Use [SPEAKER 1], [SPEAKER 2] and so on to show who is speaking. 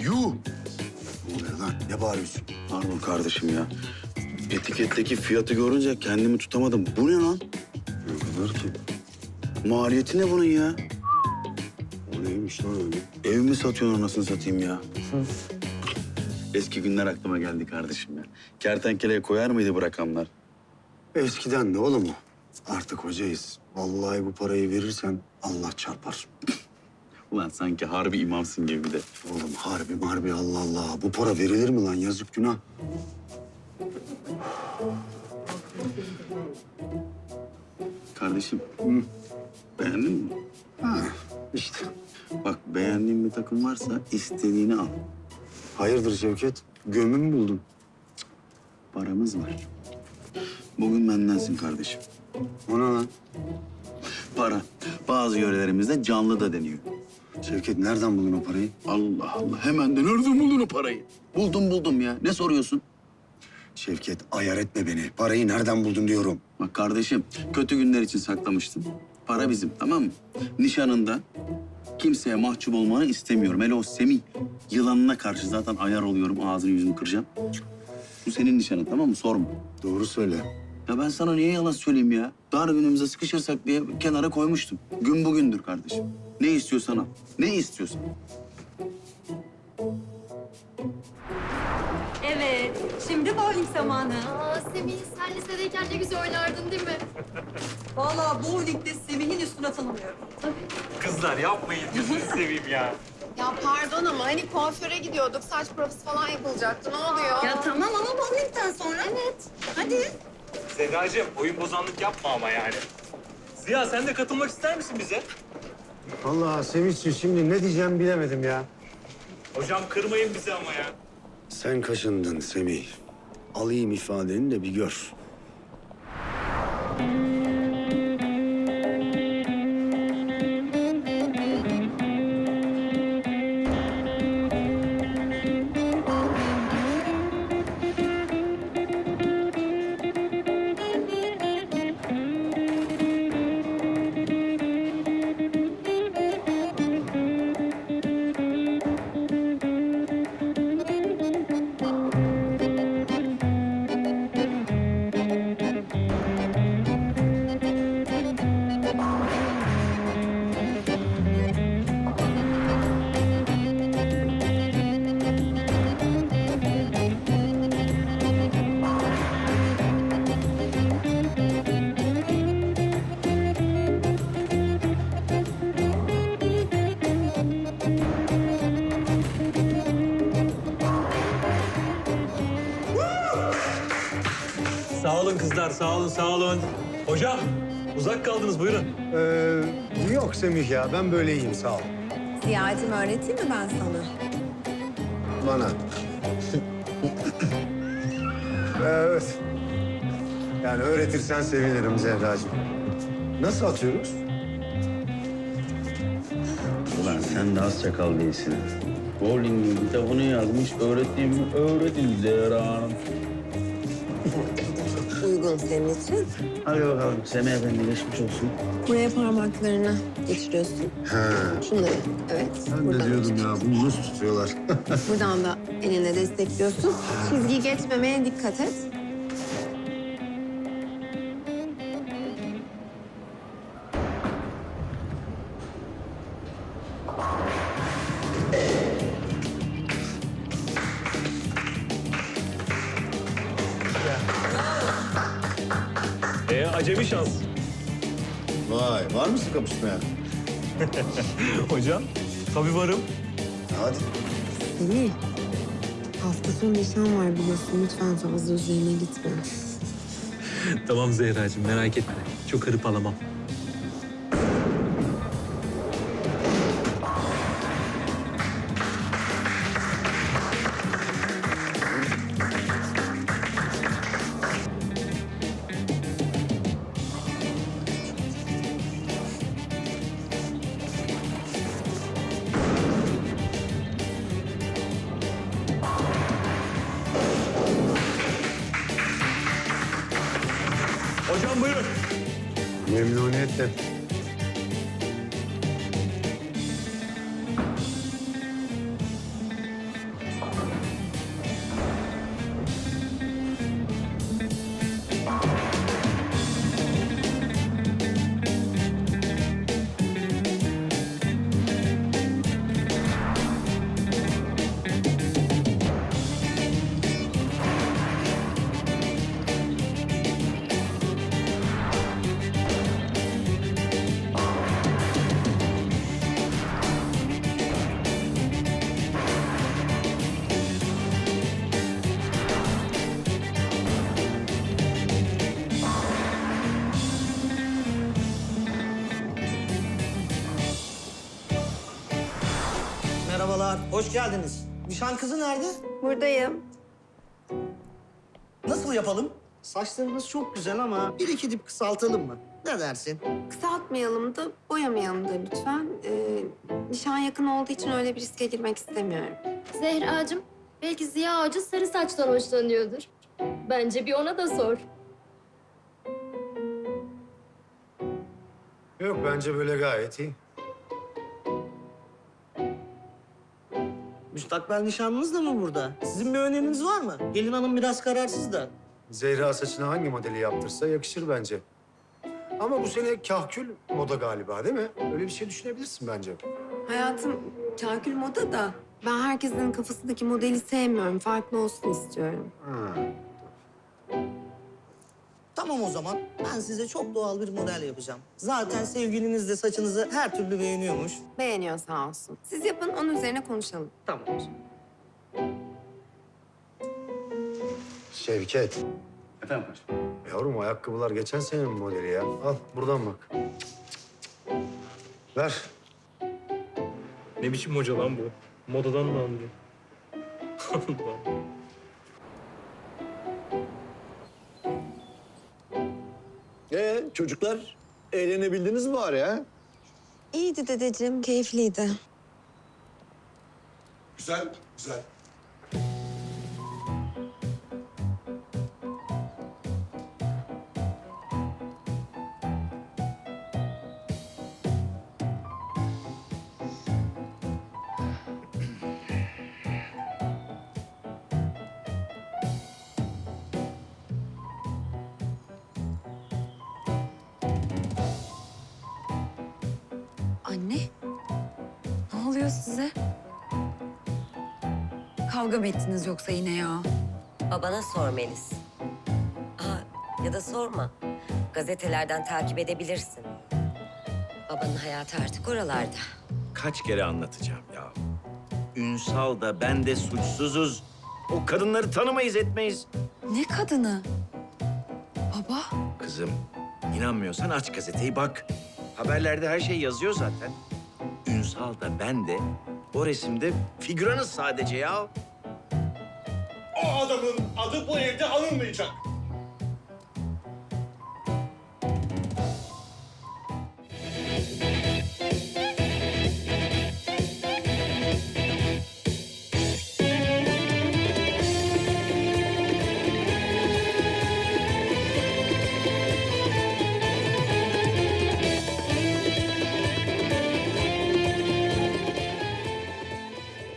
[SPEAKER 1] Yuh! Ne oluyor lan? Ne bağırıyorsun?
[SPEAKER 2] Pardon kardeşim ya. Etiketteki fiyatı görünce kendimi tutamadım. Bu ne lan?
[SPEAKER 1] Ne kadar ki?
[SPEAKER 2] Maliyeti ne bunun ya?
[SPEAKER 1] O neymiş lan öyle?
[SPEAKER 2] Ev mi satıyorsun anasını satayım ya? Eski günler aklıma geldi kardeşim ya. Kertenkeleye koyar mıydı bu rakamlar?
[SPEAKER 1] Eskiden de oğlum o. Artık hocayız. Vallahi bu parayı verirsen Allah çarpar.
[SPEAKER 2] Ulan sanki harbi imamsın gibi bir de.
[SPEAKER 1] Oğlum harbi Allah Allah. Bu para verilir mi lan? Yazık günah.
[SPEAKER 2] Kardeşim, beğendin mi?
[SPEAKER 1] Ha işte.
[SPEAKER 2] Bak beğendiğin bir takım varsa istediğini al.
[SPEAKER 1] Hayırdır Şevket? Gömü mü buldun?
[SPEAKER 2] Paramız var. Bugün bendensin kardeşim.
[SPEAKER 1] O ne lan?
[SPEAKER 2] Para bazı yörelerimizde canlı da deniyor.
[SPEAKER 1] Şevket nereden buldun o parayı?
[SPEAKER 2] Allah Allah. Hemen de nereden buldun o parayı? Buldum ya. Ne soruyorsun?
[SPEAKER 1] Şevket ayar etme beni. Parayı nereden buldun diyorum.
[SPEAKER 2] Bak kardeşim, kötü günler için saklamıştım. Para bizim, tamam mı? Nişanında kimseye mahcup olmanı istemiyorum. Hele o Semih yılanına karşı zaten ayar oluyorum. Ağzını yüzünü kıracağım. Bu senin nişanın, tamam mı? Sorma.
[SPEAKER 1] Doğru söyle.
[SPEAKER 2] Ya ben sana niye yalan söyleyeyim ya? Dar günümüze sıkışırsak diye kenara koymuştum. Gün bugündür kardeşim. Ne istiyorsan al. Ne istiyorsan.
[SPEAKER 3] Evet, şimdi bowling zamanı.
[SPEAKER 4] Aa Semih, sen lisedeyken ne güzel oynardın değil mi?
[SPEAKER 3] Vallahi bowlingde Semih'in üstüne tanımıyorum.
[SPEAKER 5] Kızlar yapmayın, gözünü seveyim ya.
[SPEAKER 4] Ya pardon ama hani kuaföre gidiyorduk, saç profesi falan yapılacaktı. Ne oluyor?
[SPEAKER 3] Ya tamam ama bowlingden sonra. Evet. Hadi.
[SPEAKER 5] Sedacığım, oyun bozanlık yapma ama yani. Ziya sen de katılmak ister misin bize?
[SPEAKER 1] Vallahi Sevinç'ciğim şimdi ne diyeceğimi bilemedim ya.
[SPEAKER 5] Hocam kırmayın bizi ama ya.
[SPEAKER 1] Sen kaşındın Semih. Alayım ifadeni de bir gör.
[SPEAKER 5] Sağ olun kızlar, sağ olun, sağ olun. Hocam, uzak kaldınız, buyurun.
[SPEAKER 1] Yok Semih ya ben böyle iyiyim sağ ol.
[SPEAKER 6] Ziya'cığım öğreteyim mi ben sana?
[SPEAKER 1] Bana. Evet. Yani öğretirsen sevinirim Zehracığım. Nasıl atıyoruz?
[SPEAKER 2] Ulan sen de az çakal değilsin. Bowling'in kitabını yazmış, öğrettiğimi öğretin Zehra Hanım.
[SPEAKER 6] Uygun senin için.
[SPEAKER 2] Hadi bakalım, Semih Efendi geçmiş olsun.
[SPEAKER 6] Buraya parmaklarını geçiriyorsun.
[SPEAKER 1] He.
[SPEAKER 6] Şunları, evet.
[SPEAKER 1] Ben
[SPEAKER 6] buradan
[SPEAKER 1] de diyordum
[SPEAKER 6] işte.
[SPEAKER 1] ya bunu nasıl tutuyorlar?
[SPEAKER 6] Buradan da elinle destekliyorsun. Çizgiyi geçmemeye dikkat et.
[SPEAKER 5] Acemi şans.
[SPEAKER 1] Vay var mısın kapışmaya?
[SPEAKER 5] Hocam, tabii varım.
[SPEAKER 1] Hadi.
[SPEAKER 6] Semih, hafta sonu nişan var biliyorsun. Lütfen fazla üzerine gitme.
[SPEAKER 5] Tamam Zehracığım, merak etme. Çok hırpalamam. Hocam buyurun.
[SPEAKER 1] Memnuniyetle.
[SPEAKER 7] Merhabalar, hoş geldiniz. Nişan kızı nerede?
[SPEAKER 4] Buradayım.
[SPEAKER 7] Nasıl yapalım? Saçlarınız çok güzel ama bir iki dip kısaltalım mı? Ne dersin?
[SPEAKER 6] Kısaltmayalım da boyamayalım da lütfen. Nişan yakın olduğu için öyle bir riske girmek istemiyorum.
[SPEAKER 8] Zehracığım, belki Ziya Hoca sarı saçtan hoşlanıyordur. Bence bir ona da sor.
[SPEAKER 1] Yok bence böyle gayet iyi.
[SPEAKER 7] Müstakbel nişanlınız da mı burada? Sizin bir öneriniz var mı? Gelin hanım biraz kararsız da.
[SPEAKER 1] Zehra saçına hangi modeli yaptırsa yakışır bence. Ama bu sene kahkül moda galiba değil mi? Öyle bir şey düşünebilirsin bence.
[SPEAKER 6] Hayatım kakül moda da ben herkesin kafasındaki modeli sevmiyorum. Farklı olsun istiyorum.
[SPEAKER 1] Ha.
[SPEAKER 7] Tamam o zaman. Ben size çok doğal bir model yapacağım. Zaten sevgiliniz de saçınızı her türlü beğeniyormuş.
[SPEAKER 6] Beğeniyor sağ olsun. Siz yapın onun üzerine konuşalım.
[SPEAKER 7] Tamam.
[SPEAKER 1] Şevket.
[SPEAKER 2] Efendim paşam?
[SPEAKER 1] Yavrum ayakkabılar geçen senenin modeli ya. Al buradan bak. Ver.
[SPEAKER 5] Ne biçim hoca lan bu? Modadan mı anlıyor?
[SPEAKER 9] Çocuklar eğlenebildiniz mi bari ha?
[SPEAKER 6] İyiydi dedeciğim, keyifliydi.
[SPEAKER 9] Güzel, güzel.
[SPEAKER 10] Anne, ne oluyor size? Kavga mı ettiniz yoksa yine ya?
[SPEAKER 11] Babana sor Melis. Ya da sorma. Gazetelerden takip edebilirsin. Babanın hayatı artık oralarda.
[SPEAKER 12] Kaç kere anlatacağım ya. Ünsal da ben de suçsuzuz. O kadınları tanımayız etmeyiz.
[SPEAKER 10] Ne kadını? Baba,
[SPEAKER 12] Kızım, inanmıyorsan aç gazeteyi bak. Haberlerde her şey yazıyor zaten. Ünsal da ben de o resimde figüranız sadece ya.
[SPEAKER 9] O adamın adı bu evde anılmayacak.